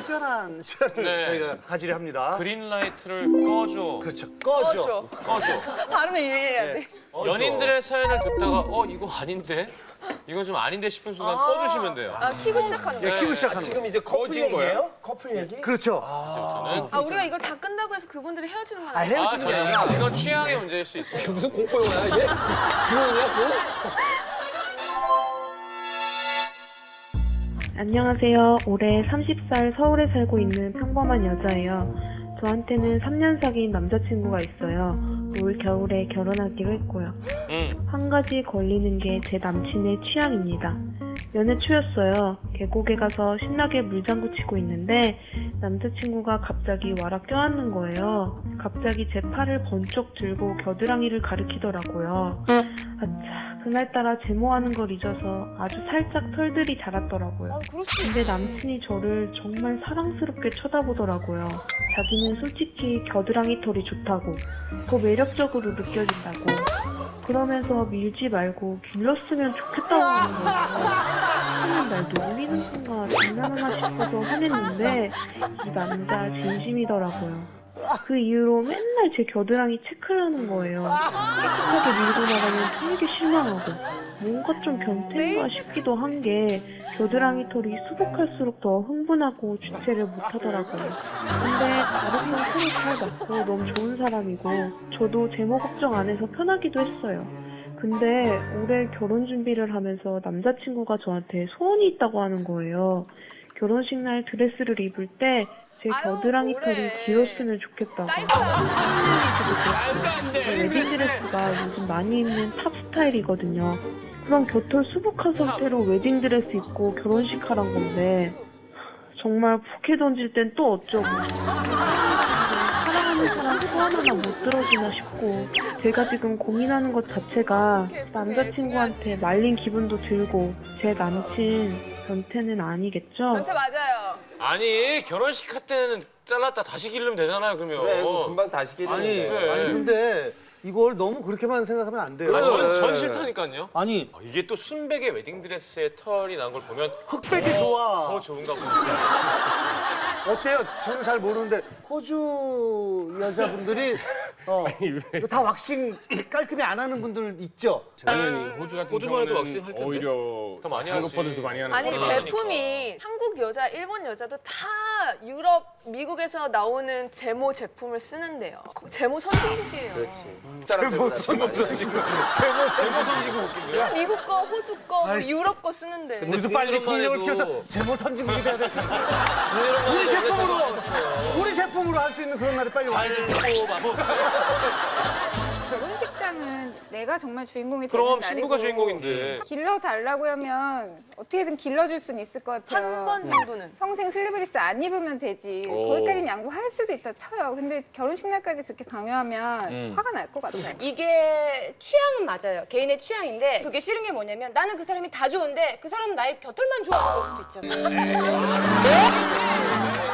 특별한 시간을 네. 저희가 가지려 합니다. 그린라이트를 꺼줘. 그렇죠. 꺼줘. 발음을 이해해야 돼. 연인들의 사연을 듣다가 이거 아닌데? 이건 좀 아닌데 싶은 순간 꺼주시면 돼요. 아, 키고 시작하는 거야. 네, 키고 시작하는 지금 거. 이제 커플 얘기예요? 커플 얘기? 그렇죠. 아, 우리가 이걸 다 끝나고 해서 그분들이 헤어지는 건 아, 아니야? 헤어지는 게 아니라. 이건 취향의 문제일 수 있어요. 무슨 공포 영화야 이게? 주원이야 주원? 안녕하세요. 올해 30살 서울에 살고 있는 평범한 여자예요. 저한테는 3년 사귄 남자친구가 있어요. 올 겨울에 결혼하기로 했고요. 한 가지 걸리는 게 제 남친의 취향입니다. 연애 초였어요. 계곡에 가서 신나게 물장구 치고 있는데 남자친구가 갑자기 와라 껴안는 거예요. 갑자기 제 팔을 번쩍 들고 겨드랑이를 가리키더라고요. 아차, 그날따라 제모하는 걸 잊어서 아주 살짝 털들이 자랐더라고요. 근데 남친이 저를 정말 사랑스럽게 쳐다보더라고요. 자기는 솔직히 겨드랑이 털이 좋다고, 더 매력적으로 느껴진다고. 그러면서 밀지 말고 길렀으면 좋겠다고 하는 거예요. 하는 날 놀리는 건가 장난하나 싶어서 화냈는데 이 남자 진심이더라고요. 그 이후로 맨날 제 겨드랑이 체크를 하는 거예요. 깨끗하게 밀고 나가면 되게 실망하고 뭔가 좀 변태인가 싶기도 한 게 겨드랑이 털이 수북할수록 더 흥분하고 주체를 못하더라고요. 근데 다른 서로 잘 맞고 너무 좋은 사람이고 저도 제모 걱정 안 해서 편하기도 했어요. 근데 올해 결혼 준비를 하면서 남자친구가 저한테 소원이 있다고 하는 거예요. 결혼식 날 드레스를 입을 때 제 겨드랑이 털이 길었으면 좋겠다고. 웨딩드레스가 요즘 많이 입는 탑 스타일이거든요. 그럼 겨털 수북한 상태로 웨딩드레스 입고 결혼식 하란 건데 정말 부케 던질 땐 또 어쩌고. 사랑하는 사람 소원 하나 못 들어주나 싶고 제가 지금 고민하는 것 자체가 남자친구한테 말린 기분도 들고 제 남친 변태는 아니겠죠? 변태 맞아요. 아니 결혼식 할 때는 잘랐다 다시 기르면 되잖아요. 그러면. 그래 금방 다시 아니, 깨지는데. 그래. 아니 근데 이걸 너무 그렇게만 생각하면 안 돼요. 전 싫다니까요. 아니 이게 또 순백의 웨딩드레스에 털이 난 걸 보면 흑백이 좋아. 더 좋은가 보네. 어때요? 저는 잘 모르는데 호주 여자분들이 이거 다 왁싱 깔끔히 안 하는 분들 있죠? 아니 호주 같은 호주만 해도 경우는 왁싱 할 텐데? 오히려 더 많이 한국보다도 하지. 많이 하는 아니, 거예요. 제품이 한국 여자, 일본 여자도 다 유럽, 미국에서 나오는 제모 제품을 쓰는데요. 제모 선진국이에요. 그렇지. 제모 선진국. 제모 선지고 웃긴데요. 미국 거, 호주 거, 뭐 아이, 유럽 거 쓰는데. 우리도 빨리 국력을 키워서 제모 선진국이 돼야 될 텐데. 우리 제품으로 할 수 있는 그런 날이 빨리 와야 돼. 결혼식장은 내가 정말 주인공이 되는 그럼 날이고 신부가 주인공인데. 길러달라고 하면 어떻게든 길러줄 수는 있을 것 같아요. 한 번 정도는. 평생 슬리브리스 안 입으면 되지. 오. 거기까지는 양보할 수도 있다 쳐요. 근데 결혼식 날까지 그렇게 강요하면 화가 날 것 같아요. 이게 취향은 맞아요. 개인의 취향인데 그게 싫은 게 뭐냐면 나는 그 사람이 다 좋은데 그 사람은 나의 곁털만 좋아하는 걸 수도 있잖아요.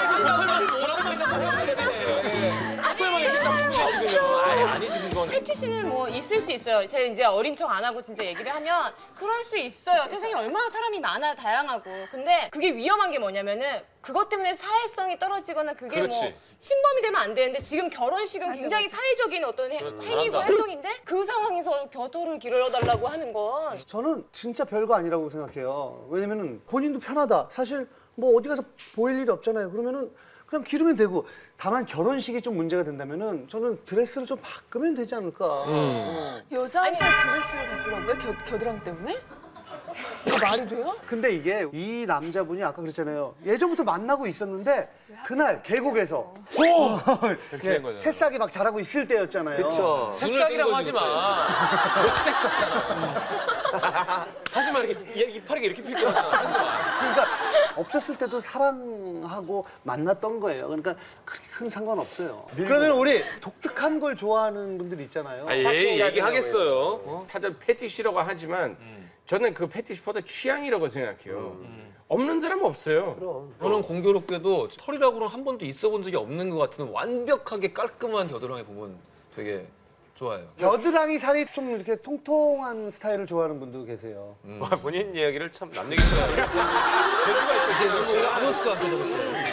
아니지 그건. 패티시는 뭐 있을 수 있어요. 제가 이제 어린 척 안 하고 진짜 얘기를 하면 그럴 수 있어요. 세상에 얼마나 사람이 많아 다양하고. 근데 그게 위험한 게 뭐냐면은 그것 때문에 사회성이 떨어지거나 그게 그렇지. 뭐 침범이 되면 안 되는데 지금 결혼식은 굉장히 사회적인 어떤 행위고 잘한다. 활동인데 그 상황에서 곁털을 길러달라고 하는 건 저는 진짜 별거 아니라고 생각해요. 왜냐면은 본인도 편하다. 사실 뭐 어디 가서 보일 일이 없잖아요. 그러면은 그냥 기르면 되고. 다만 결혼식이 좀 문제가 된다면은 저는 드레스를 좀 바꾸면 되지 않을까. 여자한테 드레스를 바꾸라고요? 겨드랑이 때문에? 이거 말이 돼요? 근데 이게 이 남자분이 아까 그랬잖아요. 예전부터 만나고 있었는데 그날 계곡에서 된 거잖아요. 새싹이 막 자라고 있을 때였잖아요. 그렇죠. 새싹이라고 하지 마. 녹색 같잖아. 하지 마. 이렇게 이파리가 이렇게 필 거잖아. 하지 마. 그러니까 없었을 때도 사랑하고 만났던 거예요. 그러니까 그렇게 큰 상관없어요. 그러면 우리 독특한 걸 좋아하는 분들 있잖아요. 얘기하겠어요. 다들 패티시라고 하지만 저는 그 패티시보다 취향이라고 생각해요. 없는 사람은 없어요. 저는 공교롭게도 털이라고는 한 번도 있어 본 적이 없는 것 같은 완벽하게 깔끔한 겨드랑이 보면 되게 좋아요. 겨드랑이 살이 좀 이렇게 통통한 스타일을 좋아하는 분도 계세요. 본인 이야기를 참 남 얘기처럼. 재주가 있어. 아무것도 안 되는 거죠.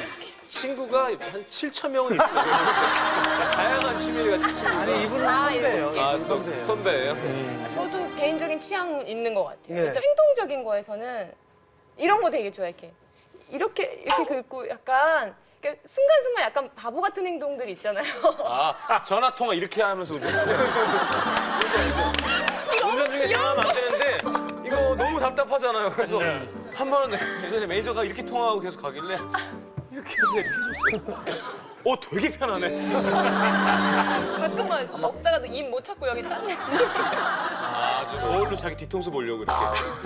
친구가 한 7천 명은 있어요. 다양한 취미를 가진 친구. 아니 이분은 아, 선배예요. 아, 이분 선배예요. 선배예요? 저도 개인적인 취향 있는 것 같아요. 네. 일단 행동적인 거에서는 이런 거 되게 좋아해. 이렇게 긁고 약간 이렇게 순간순간 약간 바보 같은 행동들 있잖아요. 아, 전화 통화 이렇게 하면서 운전. 운전 중에 전화하면 안 되는데 이거 너무 답답하잖아요. 그래서 한 번은 예전에 매니저가 이렇게 통화하고 계속 가길래 이렇게 해서 이렇게 해줬어요. 되게 편하네. 가끔은 먹다가도 입 못 찾고 여기 딱. 아, 저 거울로 자기 뒤통수 보려고 이렇게.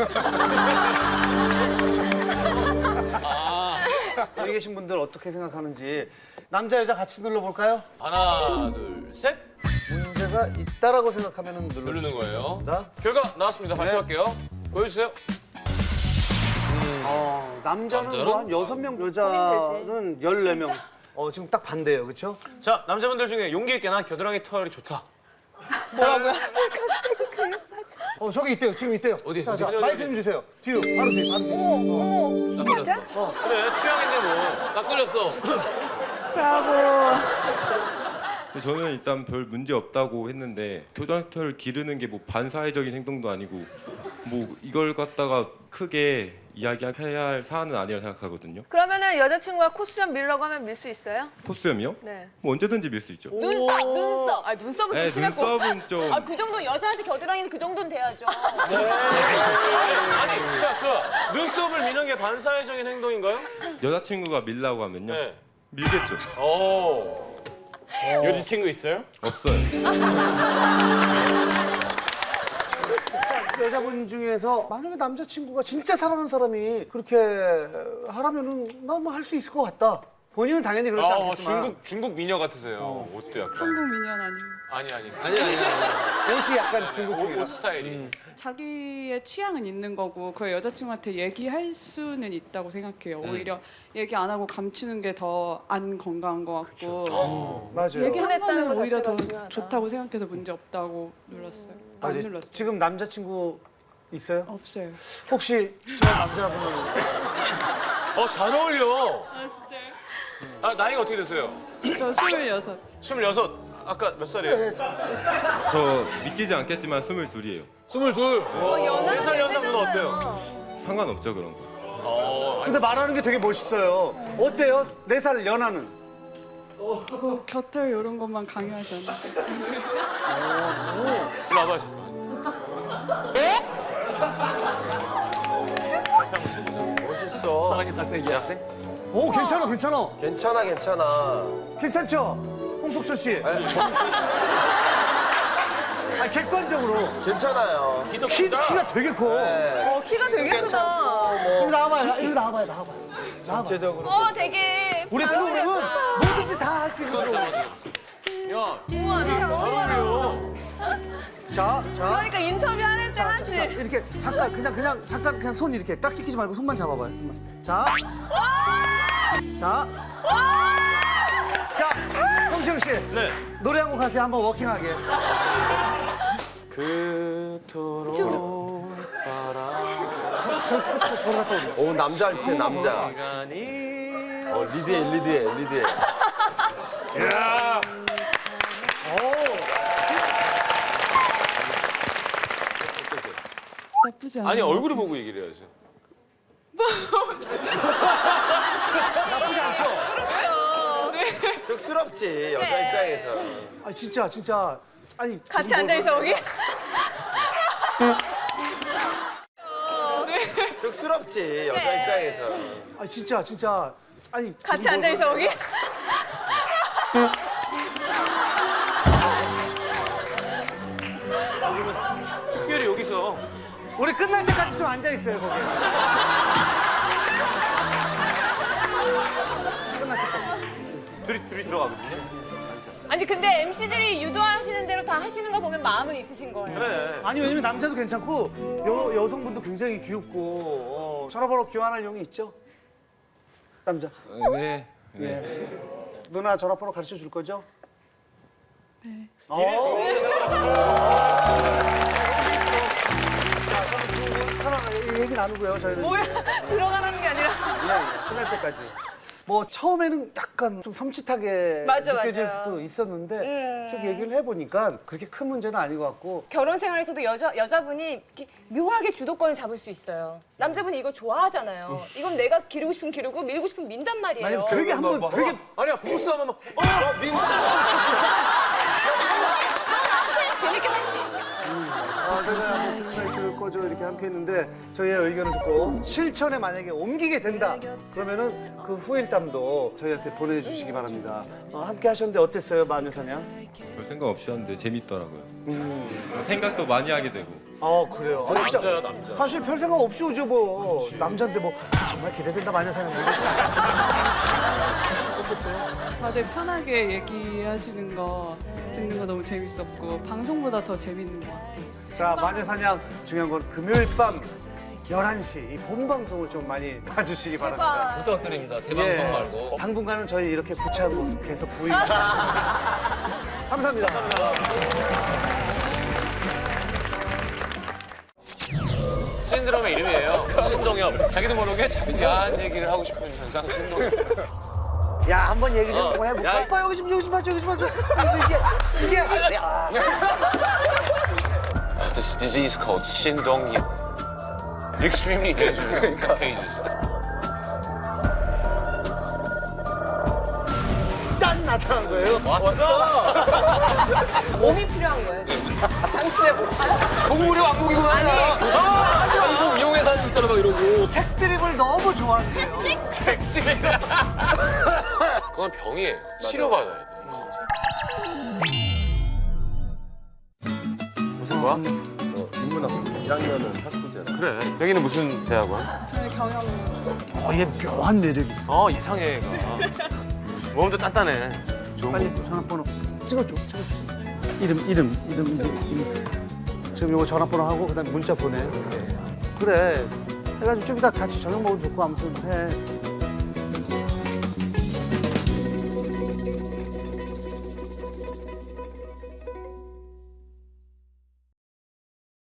여기 계신 분들 어떻게 생각하는지 남자 여자 같이 눌러볼까요? 하나, 둘, 셋. 문제가 있다라고 생각하면 누르는 거예요. 자, 결과 나왔습니다. 발표할게요. 보여주세요. 남자는 남자는? 뭐 한 6명, 여자는 14명. 지금 딱 반대예요, 그렇죠? 자, 남자분들 중에 용기 있게 난 겨드랑이 털이 좋다. 저기 있대요, 지금 있대요. 어디, 자, 어디, 어디, 마이크 어디? 좀 주세요. 뒤로, 바로 뒤, 바로 뒤. 나 걸렸어. 그래, 취향인데 뭐. 나 걸렸어. 저는 일단 별 문제 없다고 했는데 겨드랑이털 기르는 게 뭐 반사회적인 행동도 아니고 뭐 이걸 갖다가 크게 이야기해야 할 사안은 아니라 생각하거든요. 그러면은 여자친구가 콧수염 밀라고 하면 밀 수 있어요? 콧수염이요? 네. 뭐 언제든지 밀 수 있죠. 눈썹. 아 눈썹은 네, 좀 심할 거. 눈썹은 좀 그 정도 여자한테 겨드랑이는 그 정도는 돼야죠. 아니, 자, 눈썹을 미는 게 반사회적인 행동인가요? 여자친구가 밀라고 하면요. 네. 밀겠죠. 여자친구 있어요? 없어요. 여자분 중에서 만약에 남자친구가 진짜 사랑하는 사람이 그렇게 하라면은 나 뭐 할 수 있을 것 같다. 본인은 당연히 그렇지 않겠지만. 중국 미녀 같으세요. 옷도 약간. 한국 미녀는 아니고 아니. 옷이 약간 중국풍이라. 옷 스타일이. 자기의 취향은 있는 거고 그 여자친구한테 얘기할 수는 있다고 생각해요. 오히려 얘기 안 하고 감추는 게 더 안 건강한 것 같고 맞아요. 얘기하는 흥분했다는 거는 것 오히려 더 자체가 중요하다. 좋다고 생각해서 문제 없다고 눌렀어요. 안 맞아요. 눌렀어요. 지금 남자친구 있어요? 없어요. 혹시 저 남자분은 잘 어울려. 아 진짜요? 아, 나이가 어떻게 되세요? 저 26. 26. 아까 몇 살이에요? 저 믿기지 않겠지만 22이에요. 22. 연하는 4살 연상분 세잖아요. 어때요? 상관없죠 그런 거. 근데 말하는 게 되게 멋있어요. 어때요? 4살 연하는? 그 곁털 이런 것만 강요하잖아. 일로 와봐요, 잠깐. 멋있어. 사랑의 짝대기 학생? 오, 괜찮아, 괜찮아. 괜찮아, 괜찮아. 괜찮죠? 홍석천 씨. 아니, 객관적으로. 괜찮아요. 키가 되게 커. 네. 키가 되게 크다. 괜찮고, 이리 나와봐요, 이리 나와봐요, 나와봐요. 전체적으로. 되게 우리 잘 프로그램은 어울렸다. 뭐든지 다 할 수 있는 프로그램. 야, 우와 나 너무 많아. 자. 그러니까 인터뷰 하는 때 하지. 자, 이렇게 잠깐 그냥 손 이렇게 깍지 끼지 말고 손만 잡아봐요. 손만. 자, 성시영 씨 네. 노래 한 곡 하세요. 한번 워킹하게. 그토록 저리 갔다 오세요. 오, 남자 아니세요, 남자. 시간이. 리드해. 야. 나쁘지 않아. 아니, 얼굴을 보고 얘기를 해야죠. 나쁘지 않죠? 쑥스럽지, 여자 입장에서. 아 진짜 아니 같이 지금 앉아 있어 거기. 쑥스럽지, 여자 입장에서. 아 진짜 아니 같이 지금 앉아 있어 거기. 특별히 여기서 우리 끝날 때까지 좀 앉아 있어요 거기. 끝날 때까지. 둘이 들어가거든요. 아니 근데 MC들이 유도하시는 대로 다 하시는 거 보면 마음은 있으신 거예요. 그래. 아니 왜냐면 남자도 괜찮고 여성분도 굉장히 귀엽고 전화번호 교환할 용이 있죠? 남자. 네. 예. 누나 전화번호 가르쳐 줄 거죠? 네. 하나 얘기 나누고요. 저희는 뭐야 들어가는 게 아니라. 끝날 때까지. 뭐 처음에는 약간 좀 섬찟하게 맞아, 느껴질 맞아요. 수도 있었는데 쭉 얘기를 해보니까 그렇게 큰 문제는 아닌 것 같고. 결혼 생활에서도 여자분이 이렇게 묘하게 주도권을 잡을 수 있어요. 남자분이 이걸 좋아하잖아요. 이건 내가 기르고 싶으면 기르고 밀고 싶으면 민단 말이에요. 아니 되게 한번 되게 아니야 부부싸움은 막 재밌게 살 수 있어. 저희가 라이트를 꺼져 이렇게 함께 했는데 저희의 의견을 듣고 실천에 만약에 옮기게 된다 그러면은 그 후일담도 저희한테 보내주시기 바랍니다. 함께 하셨는데 어땠어요, 마녀사냥? 별 생각 없이 하는데 재밌더라고요. 생각도 많이 하게 되고. 그래요. 남자야 남자. 사실 별 생각 없이 오죠 뭐. 남자인데 뭐 정말 기대된다 마녀사냥. 다들 편하게 얘기하시는 거 듣는 거 너무 재밌었고 방송보다 더 재밌는 것 같아요. 자, 마녀사냥 중요한 건 금요일 밤 11시 이 본방송을 좀 많이 봐주시기 바랍니다. 부탁드립니다. 재방송 말고. 당분간은 저희 이렇게 부채한 모습 계속 보이겠습니다. 감사합니다. 신드롬의 이름이에요. 신동엽. 자기도 모르게 자기 야한 얘기를 하고 싶은 현상 신동엽. 야, 한번 얘기 좀 해볼까? 야, 오빠 여기 좀 봐줘, 여기 좀 봐줘. 이게 야. This disease called 신동엽. Extremely dangerous and contagious. 짠 나타난 거예요. 왔어? 몸이 필요한 거예요. 당신의 몸. 동물의 왕국이구나. 아니. 이거 이용해서 하는 거 있잖아 막 이러고. 색드립을 너무 좋아한대요. 책찍. 그건 병이에요. 치료받아야 돼. 무슨 거야? 인문학부 1학년은 학부제라. 그래. 여기는 무슨 대학원? 저는 경영 얘 묘한 매력이 있어. 이상해 얘가. 몸도 단단해. 좋은 빨리 거. 전화번호 찍어줘. 이름. 지금 요거 전화번호 하고 그다음 문자 보내. 그래. 해가지고 좀 이따 같이 저녁 먹으면 좋고 아무튼 해.